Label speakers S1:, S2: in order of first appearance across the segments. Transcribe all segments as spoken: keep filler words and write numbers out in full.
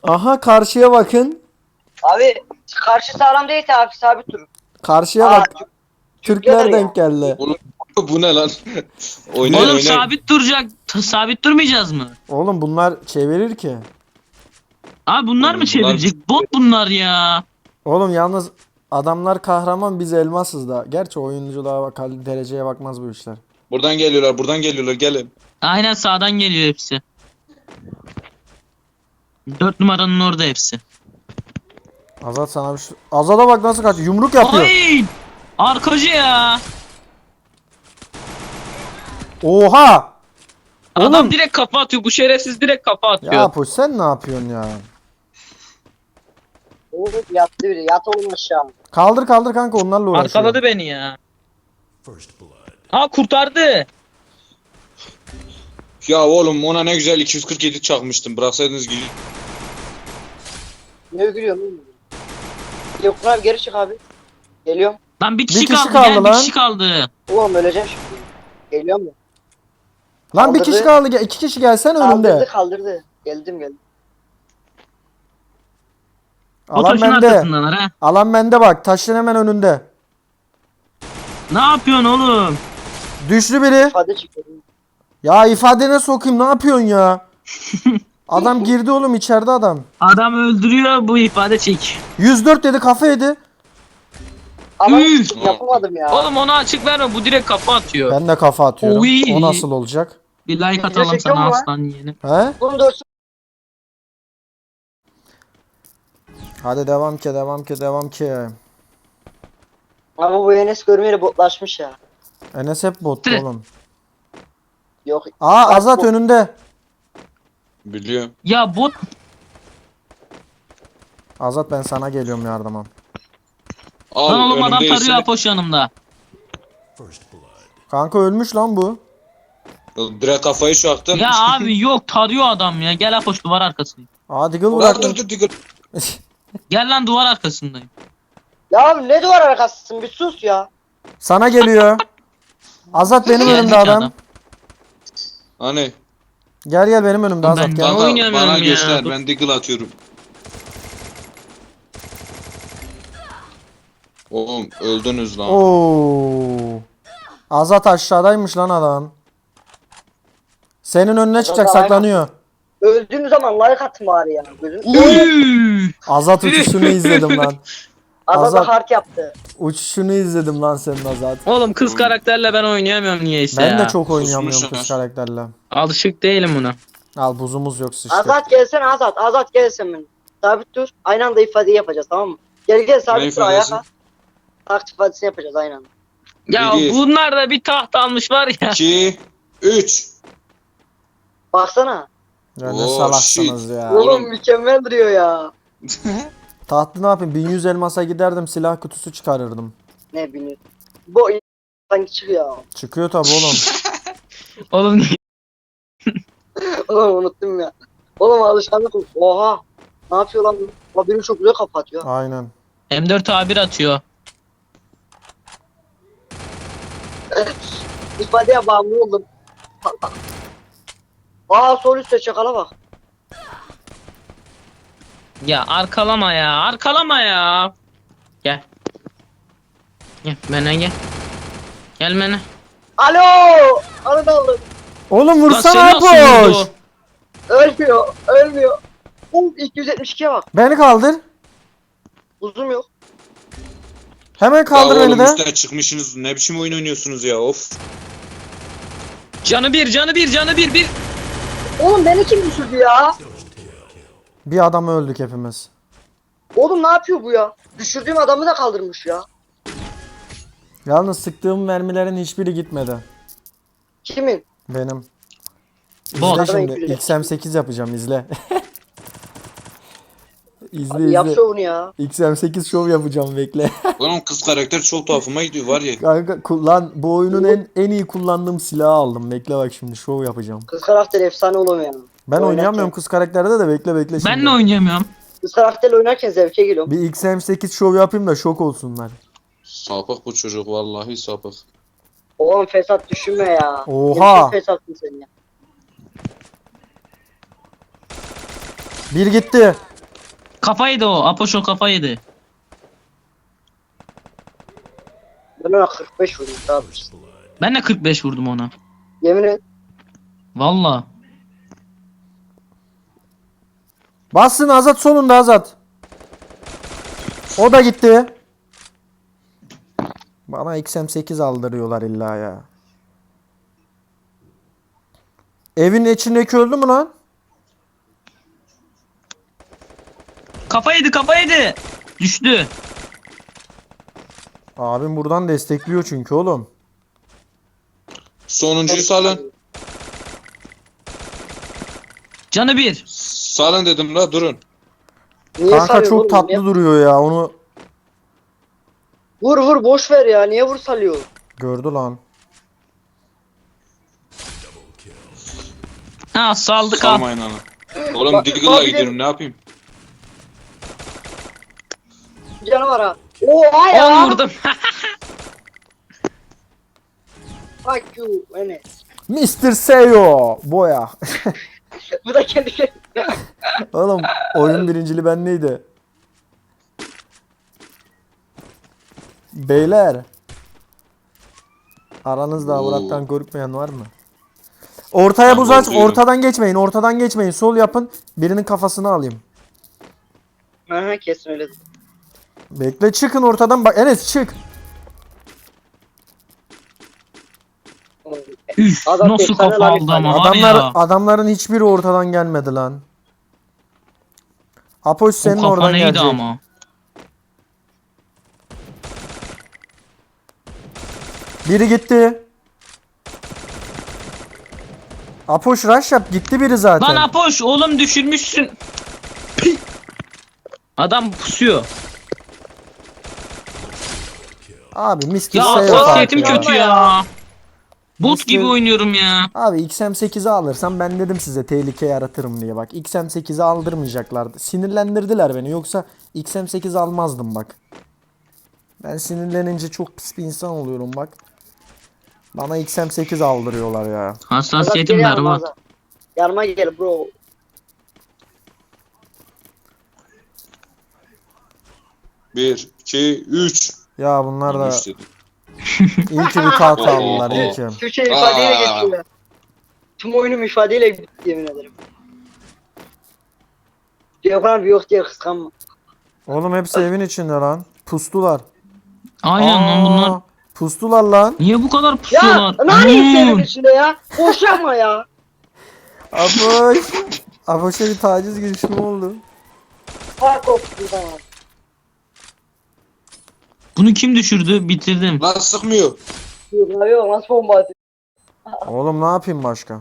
S1: Aha karşıya bakın.
S2: Abi karşı sağlam değilse abi sabit dur.
S1: Karşıya
S2: Aa,
S1: bak.
S2: Türk-
S1: Türkler
S2: Türkler
S1: denk
S2: ya.
S1: geldi.
S3: Oğlum bu ne lan? Oynayın
S4: Oğlum
S3: oynayın.
S4: sabit duracak. t- Sabit durmayacağız mı?
S1: Oğlum bunlar çevirir ki.
S4: Abi bunlar
S3: Oğlum
S4: mı çevirecek? Bot bunlar ya.
S1: Oğlum yalnız adamlar kahraman, biz elmasız da. Gerçi oyunculuğa bak, dereceye bakmaz bu işler.
S3: Buradan geliyorlar buradan geliyorlar gelin.
S4: Aynen sağdan geliyor hepsi. Dört numaranın orada hepsi.
S1: Azat sana bir şey... Azat'a bak nasıl kaç yumruk yapıyor.
S4: Ay! Arkacı ya.
S1: Oha!
S4: Adam
S1: Oğlum.
S4: direkt kafa atıyor. Bu şerefsiz direkt kafa atıyor.
S1: Ya Poş sen ne yapıyorsun ya?
S2: Oğlum yattı biri. Yat oğlum aşağı.
S1: Kaldır kaldır kanka, onlarla uğraşıyor.
S4: Arkaladı beni ya. Ha kurtardı.
S3: Ya oğlum ona ne güzel iki yüz kırk yedi çakmıştım. Bıraksaydınız gibi.
S2: Ne gülüyorsun oğlum? Yok abi geri çık abi. Geliyorum.
S4: Lan bir kişi,
S1: Bir kişi
S4: kaldı,
S1: kaldı
S4: gel
S1: lan.
S4: bir kişi kaldı.
S2: Oğlum öleceğim şimdi. Geliyor mu?
S1: Lan bir
S2: Kaldırdı.
S1: kişi kaldı. Gel- iki kişi gelsen
S2: Kaldırdı
S1: önümde.
S2: kaldırdı. Geldim geldim.
S4: Bu
S1: Alan
S4: taşın
S1: bende.
S4: arkasındalar ha.
S1: Alan bende bak. Taşın hemen önünde.
S4: Ne yapıyorsun oğlum?
S1: Düştü biri.
S2: İfade çıkıyorum.
S1: Ya ifadene sokayım, ne yapıyorsun ya? Adam girdi oğlum, içeride adam.
S4: Adam öldürüyor, bu ifade çek.
S1: yüz dört dedi, kafa yedi.
S2: Ama
S4: Üf.
S2: yapamadım ya.
S4: Oğlum ona açık verme, bu direkt kafa atıyor.
S1: Ben de kafa atıyorum.
S4: Oy.
S1: O nasıl olacak?
S4: Bir like
S2: Video
S4: atalım
S2: çekiyor
S4: sana
S2: mu lan?
S4: aslan yeğenim.
S1: He?
S2: Bunu dursun.
S1: Hadi devam ki, devam ki, devam ki.
S2: Ama bu Enes görmeyeli botlaşmış ya.
S1: Enes hep bot
S4: Tüh.
S1: oğlum.
S2: Yok.
S1: Aa
S2: Bak
S1: Azat
S2: bu-
S1: önünde.
S3: Biliyorum.
S4: Ya bot
S1: Azat ben sana geliyorum yardıma.
S3: Al
S4: lan oğlum, adam
S3: önümde
S4: tarıyor
S3: ise-
S4: Apoş yanımda.
S1: Kanka ölmüş lan bu.
S3: Direkt kafayı şaktım.
S4: Ya abi yok, tarıyor adam ya. Gel Apoş, duvar arkasındayım.
S1: Aa Diggle
S3: Lan
S1: bıraktın.
S3: dur dur dur.
S4: Gel lan, duvar arkasındayım.
S2: Ya abi ne duvar arkasısın bir sus ya.
S1: Sana geliyor. Azat benim
S4: Geldi
S1: önümde
S4: ki
S1: adam.
S4: adam.
S3: Hani
S1: Gel gel benim önümde
S4: Ben-
S1: Azat gel.
S4: Ben
S3: bana,
S4: oynayamıyorum
S3: bana
S4: ya.
S3: göster
S4: Dur.
S3: ben deagle atıyorum. Oğlum öldünüz lan.
S1: Oo. Azat aşağıdaymış lan adam. Senin önüne çıkacak,
S2: Azat
S1: saklanıyor.
S2: Öldüğüm zaman like atın bari ya. Gözüm.
S4: Uy!
S1: Azat uçuşunu izledim lan.
S2: Azat
S1: Azat-
S2: hard yaptı.
S1: Uçuşunu izledim lan senin Azat.
S4: Oğlum kız karakterle ben oynayamıyorum niyeyse
S1: Ben
S4: ya.
S1: de çok oynayamıyorum
S3: Susmuş
S1: kız
S3: ya.
S1: karakterle.
S4: Alışık değilim buna.
S1: Al buzumuz yok sıçtı.
S2: Azat gelsene Azat. Azat gelsin ben. Sabit dur. Aynı anda ifadeyi yapacağız tamam mı? Gel gel
S3: Ne
S2: sabit dur ayağa
S3: ifadesi?
S2: kalk. Taktik ifadesini yapacağız aynı anda.
S4: Ya
S3: Bir.
S4: bunlar da bir taht almış var ya.
S3: iki üç.
S2: Baksana.
S1: Ya ne
S3: Oh,
S1: salaksınız
S3: shit.
S1: ya.
S2: Oğlum,
S3: Oğlum.
S2: mükemmel duruyor ya.
S1: Tahtlı ne yapayım? bin yüz elmasa giderdim, silah kutusu çıkarırdım.
S2: Ne bileyim. Bu sanki çıkıyor.
S1: Çıkıyor tabi oğlum.
S4: Oğlum
S2: Oğlum unuttum ya. Oğlum alışkanlık oldu. Oha. Ne yapıyor lan? bu? Benim çok güzel kapatıyor.
S1: Aynen.
S4: M dört A bir atıyor.
S2: İfadeye bağımlı oldum. Aa sol üstte çakala bak.
S4: Ya arkalama ya, arkalama ya. Gel. Gel bana gel. Gel bana.
S2: Alo. Arada aldım.
S1: Oğlum
S4: Lan
S1: vursana
S4: seni nasıl
S1: boş.
S4: vurdu?
S2: Ölmüyor. Ölmüyor. Oğlum iki yüz yetmiş ikiye bak.
S1: Beni kaldır.
S2: Uzun yok.
S1: Hemen kaldır
S3: ya
S1: beni
S3: oğlum
S1: de.
S3: üstten çıkmışsınız. Ne biçim oyun oynuyorsunuz ya of.
S4: Canı bir, canı bir, canı bir, bir.
S2: Oğlum beni kim düşürdü ya?
S1: Bir adam öldük hepimiz.
S2: Oğlum ne yapıyor bu ya? Düşürdüğüm adamı da kaldırmış ya.
S1: Yalnız sıktığım mermilerin hiçbiri gitmedi.
S2: Kimin?
S1: Benim.
S4: Bot.
S1: İzle şimdi.
S2: Adamı
S1: X M sekiz yapacağım, izle. izle
S2: Abi yap
S1: izle.
S2: şovunu ya.
S1: X M sekiz şov yapacağım, bekle.
S3: Oğlum kız karakter çok tuhafıma gidiyor var ya.
S1: Kanka kullan, bu oyunun en en iyi kullandığım silahı aldım. Bekle bak şimdi şov yapacağım.
S2: Kız karakter efsane oğlum ya.
S1: Ben
S2: Oynarken-
S1: oynayamıyorum kız karakterde de, bekle bekle şimdi.
S4: Ben de oynayamıyorum.
S2: Kız karakterle oynarken zevke geliyorum.
S1: Bir X M sekiz şov yapayım da şok olsunlar.
S3: Sapık bu çocuk vallahi sapık.
S2: Oğlum fesat düşünme ya.
S1: Oha.
S2: Ne biçim fesatsın sen ya.
S1: Bir gitti.
S4: Kafa yedi o. Apoş o kafa yedi.
S2: Ben ona kırk beş vurdum abi.
S4: Ben de kırk beş vurdum ona.
S2: Yemin et.
S4: Valla.
S1: Bassın Azat, solunda Azat. O da gitti. Bana X M sekiz aldırıyorlar illa ya. Evin içindeki öldü mü lan?
S4: Kafa yedi kafa yedi. Düştü.
S1: Abim buradan destekliyor çünkü oğlum.
S3: Sonuncuyu salın.
S4: Canı bir.
S3: Salın dedim la durun.
S2: Niye
S1: Kanka
S2: salıyorsun
S1: çok
S2: oğlum?
S1: tatlı
S2: Niye-
S1: duruyor ya, onu
S2: Vur vur boş ver ya. Niye vur salıyor?
S1: gördü lan.
S4: Ha saldık abi.
S3: Salmayın ana. Oğlum
S2: Bak-
S3: Diggle'la
S2: bak bir de-
S3: gidiyorum ne yapayım?
S2: Canı var ha. Oha ya.
S4: on vurdum.
S2: Fuck you. Enes.
S1: mister Seyo boya.
S2: Bu da kendi kendine.
S1: Oğlum oyun birincili ben neydi? Beyler. Aranızda
S3: Oo.
S1: Murat'tan korkmayan var mı? Ortaya
S3: Ben
S1: buz aç,
S3: korkuyorum.
S1: ortadan geçmeyin, ortadan geçmeyin. Sol yapın, birinin kafasını alayım.
S2: Aha kesin öyle.
S1: Bekle, çıkın ortadan, bak Enes çık.
S4: Üf
S2: Adam
S4: nasıl
S2: efsane
S4: kafa
S2: lan
S4: aldı ama var
S1: Adamlar
S4: ya.
S1: adamların hiçbiri ortadan gelmedi lan. Apoş
S4: O
S1: senin
S4: kafa
S1: oradan
S4: neydi
S1: gelecek.
S4: ama.
S1: Biri gitti. Apoş rush yap, gitti biri zaten.
S4: Lan Apoş oğlum düşürmüşsün. Pi. Adam pusuyor.
S1: Abi mister
S4: Ya
S1: Seyo
S4: hassasiyetim
S1: farkı ya.
S4: kötü ya. Bot
S1: Mister
S4: gibi oynuyorum ya.
S1: Abi X M sekizi alırsam ben dedim size tehlike yaratırım diye bak. X M sekizi aldırmayacaklardı. Sinirlendirdiler beni, yoksa X M sekiz almazdım bak. Ben sinirlenince çok pis bir insan oluyorum bak. Bana X M sekiz aldırıyorlar ya.
S4: Hassasiyetim berbat.
S2: Yanıma gel bro.
S3: Bir, iki, üç.
S1: Ya bunlar da
S3: Üç dedim.
S1: iyi ki bir kağıt
S3: Oo.
S1: aldılar, iyi ki.
S2: Türkçe ifadeyle
S3: Aa.
S2: geçiyor. Tüm oyunum ifadeyle bitti yemin ederim. Diyagram yok diye kıskanma.
S1: Oğlum hepsi evin içinde lan. Pustular.
S4: Aynen lan
S1: Aa,
S4: bunlar.
S1: Pustular lan.
S4: Niye bu kadar
S2: Ya
S4: pusuyorlar?
S2: ne senin
S4: Hmm.
S2: içinde ya? Boş yapma ya.
S1: Apoş. Apoş'a bir taciz girişimi oldu.
S2: Fark olsun sana.
S4: Bunu kim düşürdü? Bitirdim.
S3: Lan sıkmıyor.
S2: Yok yok nasıl bomba atıyor?
S1: Oğlum ne yapayım başka?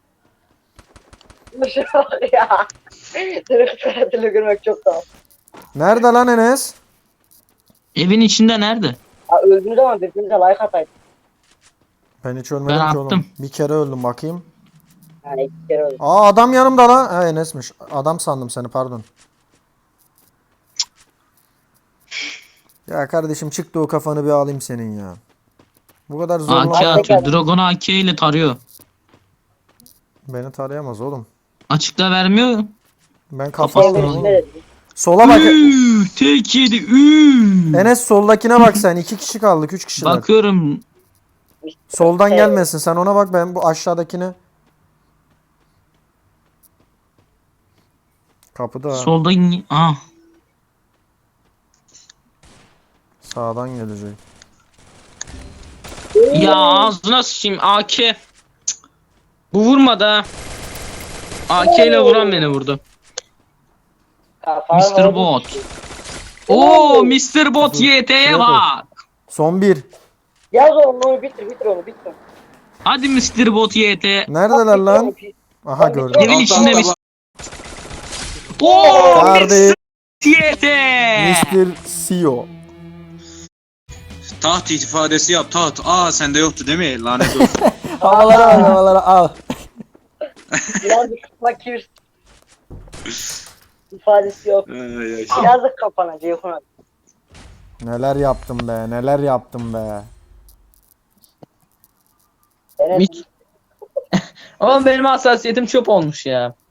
S2: Boş yapma ya. Seni kısaratıyla görmek çok daha.
S1: Nerede lan Enes?
S4: Evin içinde nerede?
S2: Ha, öldüğünüz zaman birbirinize like atayım.
S1: Ben hiç ölmedim
S4: Ben
S1: ki
S4: attım.
S1: oğlum. Bir kere öldüm bakayım.
S2: Yani iki kere öldüm.
S1: Aa adam yanımda lan. Ha Enes'miş. Adam sandım seni, pardon. Ya kardeşim çıktı o kafanı bir alayım senin ya. Bu kadar
S4: A K
S1: zorla
S4: atıyor. Dragon A K ile tarıyor.
S1: beni tarayamaz oğlum.
S4: Açıkta vermiyor.
S1: Ben
S4: Kafasına
S1: kafasını
S4: alayım.
S1: oğlum.
S2: Ne dedi?
S1: Sola bak.
S4: Üü, tek yedi. Üü.
S1: Enes soldakine bak sen. İki kişi kaldık. Üç kişiler.
S4: Bakıyorum.
S1: Soldan
S2: Evet.
S1: gelmesin. Sen ona bak, ben bu aşağıdakine. Kapıda. ha.
S4: Solda ah.
S1: Sağdan gelecek.
S4: Ya ağzına sıçayım A K. Cık. Bu vurmadı ha. A K ile vuran beni vurdu.
S2: Kafana
S4: mister
S2: vurdu.
S4: Bot. Oo mister Bot Y T'ye
S1: Şuraya koy.
S4: bak.
S1: Son bir.
S2: Yaz onu bitir bitir onu bitir.
S4: Hadi mister Bot Y T.
S1: Neredeler lan? Aha gördüm.
S4: Evin
S3: Altta,
S4: içinde
S3: altta
S4: mis-
S3: bak.
S4: Oo
S1: Kardeş.
S4: Y T.
S1: mister C E O.
S3: Taht ifadesi yap taht. Aa sende yoktu değil mi? Lanet olsun.
S1: Havalara al, havalara al.
S2: Yazık fakir. İfadesi yok.
S3: Ay, ay.
S2: Yazık kafana Ceyhun abi.
S1: Neler yaptım be, neler yaptım be.
S2: Evet.
S4: Oğlum benim hassasiyetim çöp olmuş ya.